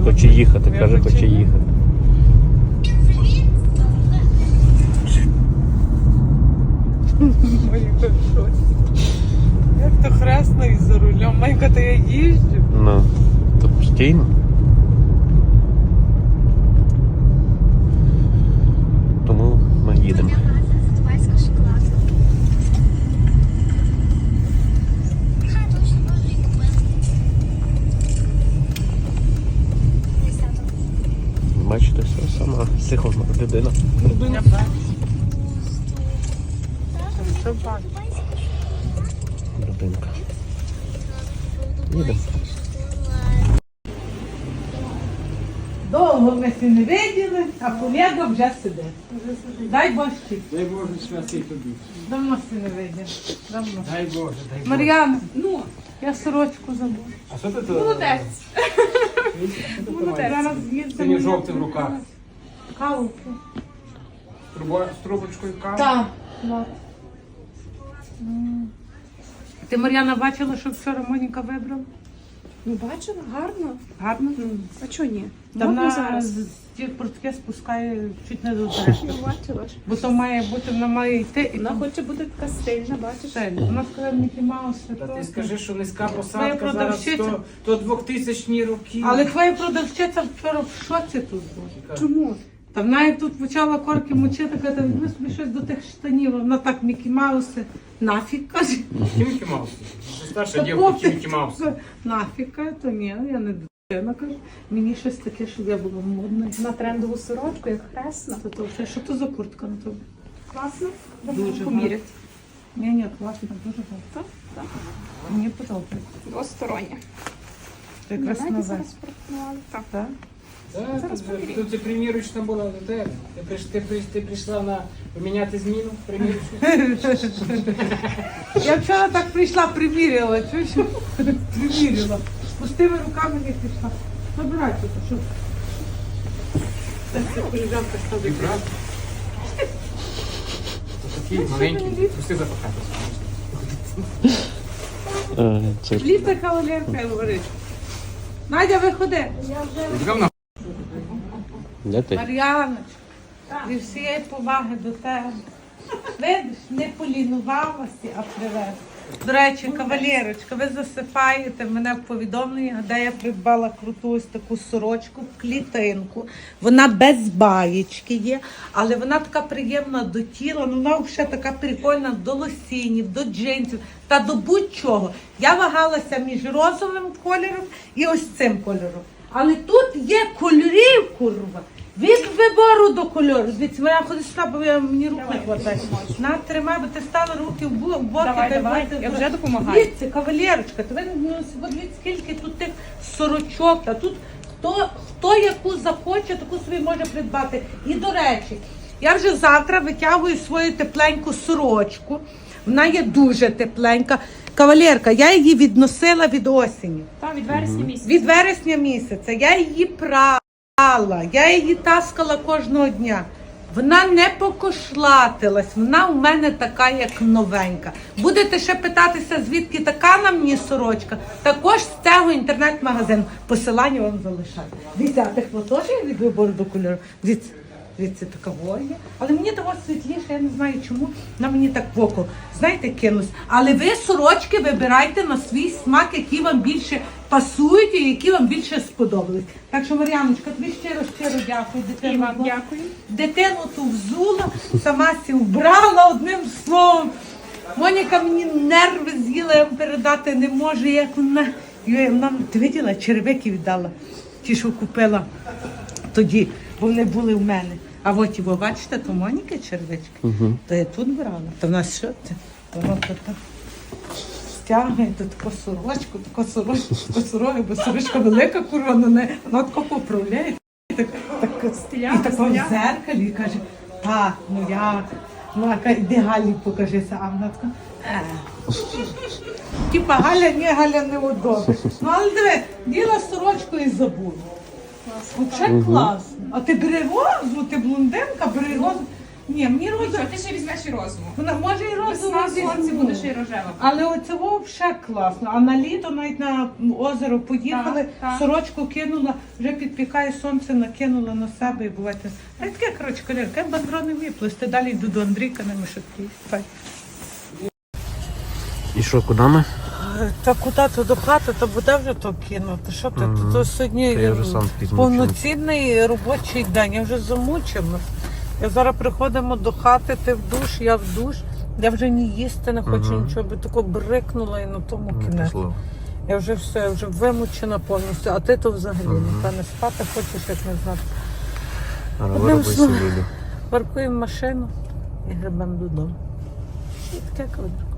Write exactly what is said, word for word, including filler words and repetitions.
Хоче їхати, каже, хоче їхати. Майка, щось. Як то хресно і за рулем. Майка, то я їжджу. Ну, то постійно. Тому ми їдемо. Бачите, все сама психовна людина. Я бачу. Що бачу? Людинка. Їдемо. Довго ми всі не виділи, а колега вже сидить. Дай Боже. Дай Боже, святий тобі. Давно всі не виділи. Давно. Дай Боже, дай Боже. Мар'яна, ну, я сорочку забула. А що ти тут? Молодець. Молодець. Зараз Синьо їздимо. жовтий в руках. Каву. Трубо- З трубочкою кави. Так. от. М. Ти, Мар'яна, бачила, що вчора Моніка вибрала? Ну, бачила, гарно. Гарно? А чого ні? Та Модно вона зараз. з ті портки спускає чуть не до дерева. Ну, бачила ж. Бо то має бути, вона має йти і Вона там хоче бути така стильна, бачиш? стель. Вона сказала Мікі Маус. Та ти скажи, що низька Твоя посадка зараз продавщиця. то, то двохтисячні роки. Але твоя продавчиця вчора в шоці тут була. Чому? Та вона як тут почала корки мочити, каже, візьми собі щось до тих штанів. Вона так Мікі Мауси. Нафіг, каже. Мікі Маус. Це старша Та дівка, пофіг. Мікі Маус. Нафіг, каже, то ні, я не дитина, каже. Мені щось таке, щоб я була модна. На трендову сорочку, як хресна. Та то все, що то за куртка на тобі? Класно. Дуже поміряти. Ні, ні, класно, дуже гарно. Так, так. Мені подобається. Двостороння. Ти якраз Знаєте, нове. зараз пропонували. Так. Так? Так, Зараз тут, поміряю. тут і примірочна була до тебе. Ти, приш- ти, приш- ти прийшла на поміняти зміну, примірочну. Я вчора так прийшла, приміряла, чуєш? Приміряла. З пустими руками не пішла. Забирай тут, що? Так, це коліжанка ставить. Правда? Такі маленькі, пусти запахатися. Е, Це Літа кавалерка говорить. Надя, виходи. Йдемо на де ти? Мар'яночка, зі всієї поваги до тебе. Видиш, не полінувалася, а привезла. До речі, кавалерочка, ви засипаєте мене в повідомлення, де я придбала круту ось таку сорочку в клітинку. Вона без баєчки є, але вона така приємна до тіла, ну вона взагалі така прикольна до лосінів, до джинсів та до будь-чого. Я вагалася між розовим кольором і ось цим кольором. Але тут є кольорів, курва. Від вибору до кольору. Дивіться, мене ходить сюди, бо я- мені рук не хватає. На, тримай, бо ти стала руки в бо- в боки. Давай, та й давай, боки. я вже допомагаю. Дивіться, кавалерочка, то ви ну, дивіться, скільки тут тих сорочок. Та тут хто, хто яку захоче, таку собі може придбати. І до речі, я вже завтра витягую свою тепленьку сорочку. Вона є дуже тепленька. Кавалерка, я її відносила від осені. Так, від вересня місяця. Від вересня місяця я її прала, я її таскала кожного дня. Вона не покошлатилась, вона у мене така, як новенька. Будете ще питатися, звідки така на мені сорочка, також з цього інтернет-магазину. Посилання вам залишаю. Дивіться, а тих теж є від вибору до кольору. Дивіться, дивіться, така воє. Але мені того світліше, я не знаю чому, на мені так в око, знаєте, кинулось. Але ви сорочки вибирайте на свій смак, які вам більше пасують і які вам більше сподобались. Так що, Мар'яночка, тобі щиро-щиро дякую. І Дитину, вам дякую. дитину ту взула, сама сі вбрала одним словом. Моніка мені нерви з'їла, я вам передати не можу, як вона. Йой, вона, ти виділа, черевики віддала, ті, що купила тоді, бо вони були в мене. А от і ви бачите, то Моніка червички. Угу. То я тут брала. То в нас що це? Воно то так стягує, то таку сорочку, таку сорочку, таку сорочку, бо сорочка велика курва, на неї, вона тако поправляє, так, так, Стиляга, і тако в стиляга. зеркалі, і каже, так, ну як? Ну, а каже, іди Галі покажися, а вона така, е. Типа Галя, ні, Галя не удобна. Ну, але диви, діла сорочку і забула. Взагалі класно. А ти бери розу, ти блондинка, бери розу. Ні, мені роза, Що, ти ще візьмеш і розову. вона може і розова, Весна, сонце буде ще й рожева. але оце взагалі класно. А на літо навіть на озеро поїхали, Так, так. сорочку кинула, вже підпікає сонце, накинула на себе і бувайте. А таке, коротше, колірка, я бандро не вмію плести. Далі йду до Андрійка на мишотки. І що, куди ми? Та куди то до хати, то буде вже то кинути. Що ти? Мгм. То сьогодні Та я вже сам такий повноцінний робочий день. Я вже замучена. Я зараз приходимо до хати, ти в душ, я в душ. Я вже ні їсти не хочу Мгм. нічого, би тако брикнула і на тому Не кінець. пішло. Я вже все, я вже вимучена повністю, а ти то взагалі, Мгм. напевне, спати хочеш, як не знати. А Одним вироби словом. собі. Паркуємо машину і гребемо додому. І таке кладу.